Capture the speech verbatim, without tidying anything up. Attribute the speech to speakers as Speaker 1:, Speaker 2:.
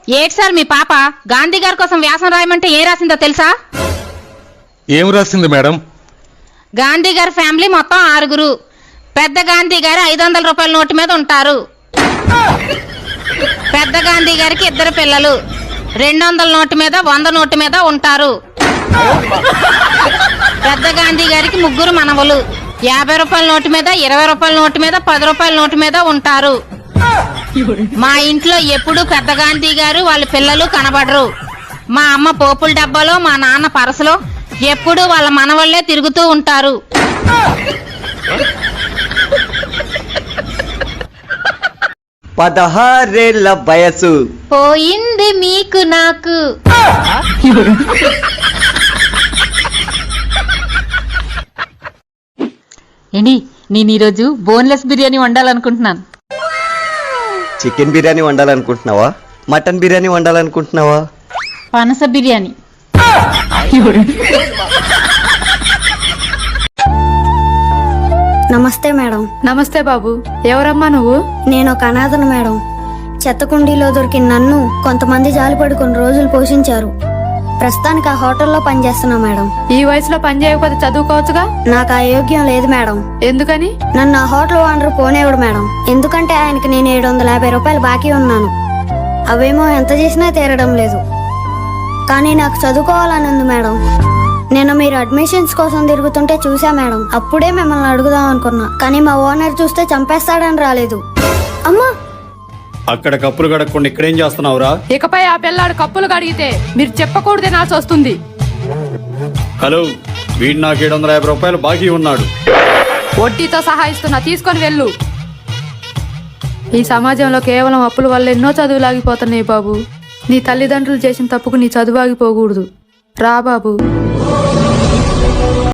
Speaker 1: ఏటి సార్ మీ పాప గాంధీ గారి కోసం వ్యాసం రాయమంటే ఏం రాసిందో తెలుసా?
Speaker 2: ఏం రాసింది మేడం?
Speaker 1: గాంధీ గారి ఫ్యామిలీ మొత్తం ఆరుగురు. పెద్ద గాంధీ గారు ఐదు వందల రూపాయల నోటు మీద ఉంటారు. పెద్ద గాంధీ గారికి ఇద్దరు పిల్లలు రెండు వందల నోటు మీద వంద నోటు మీద ఉంటారు. పెద్ద గాంధీ గారికి ముగ్గురు మనవలు యాభై రూపాయల నోటు మీద ఇరవై రూపాయల నోటు మీద పది రూపాయల నోటు మీద ఉంటారు. మా ఇంట్లో ఎప్పుడు పెద్ద గాంధీ గారు వాళ్ళ పిల్లలు కనబడరు. మా అమ్మ పోపుల డబ్బాలో మా నాన్న పరసలో ఎప్పుడు వాళ్ళ మనవళ్లే తిరుగుతూ ఉంటారు.
Speaker 3: పదహారేళ్ల వయసు
Speaker 1: పోయింది మీకు నాకు.
Speaker 4: ఏంటి నేను ఈరోజు బోన్లెస్ బిర్యానీ వండాలనుకుంటున్నాను.
Speaker 3: చికెన్ బిర్యానీ వండాలనుకుంటున్నావా? మటన్ బిర్యానీ వండాలనుకుంటున్నావా?
Speaker 4: పనస బిర్యానీ.
Speaker 5: నమస్తే మేడం.
Speaker 6: నమస్తే బాబు. ఎవరమ్మా నువ్వు?
Speaker 5: నేను ఒక అనాథను మేడం. చెత్త కుండీలో దొరికిన నన్ను కొంతమంది జాలిపడి కొన్ని రోజులు పోషించారు. ప్రస్తుతానికి ఆ హోటల్లో పనిచేస్తున్నా మేడం.
Speaker 6: ఈ వయసులో పని చేయకపోతే చదువుకోవచ్చుగా.
Speaker 5: నాకు ఆ యోగ్యం లేదు మేడం.
Speaker 6: ఎందుకని?
Speaker 5: నన్ను ఆ హోటల్ ఓనర్ పోనేవాడు మేడం. ఎందుకంటే ఆయనకి నేను ఏడు వందల యాభై రూపాయలు బాకీ ఉన్నాను. అవేమో ఎంత చేసినా తీరడం లేదు. కానీ నాకు చదువుకోవాలని ఉంది మేడం. నేను మీరు అడ్మిషన్స్ కోసం తిరుగుతుంటే చూసా మేడం. అప్పుడే మిమ్మల్ని అడుగుదాం అనుకున్నా, కానీ మా ఓనర్ చూస్తే చంపేస్తాడని రాలేదు. అమ్మా,
Speaker 7: అక్కడ కప్పులు కడగకుండా ఇక్కడేం చేస్తున్నావురా?
Speaker 6: ఇకపై ఆ పిల్లాడు కప్పులు కడిగితే మీరు చెప్పకూడదే నాల్సి వస్తుంది.
Speaker 7: హలో, వీడు నాకు ఏడు వందల యాభై రూపాయలు బాకీ ఉన్నాడు.
Speaker 6: వడ్డీతో సహా ఇస్తున్నా, తీసుకొని వెళ్ళు. ఈ సమాజంలో కేవలం అప్పుల వల్ల ఎన్నో చదువులు ఆగిపోతున్నాయి బాబు. నీ తల్లిదండ్రులు చేసిన తప్పుకు నీ చదువు ఆగిపోకూడదు. రా బాబు.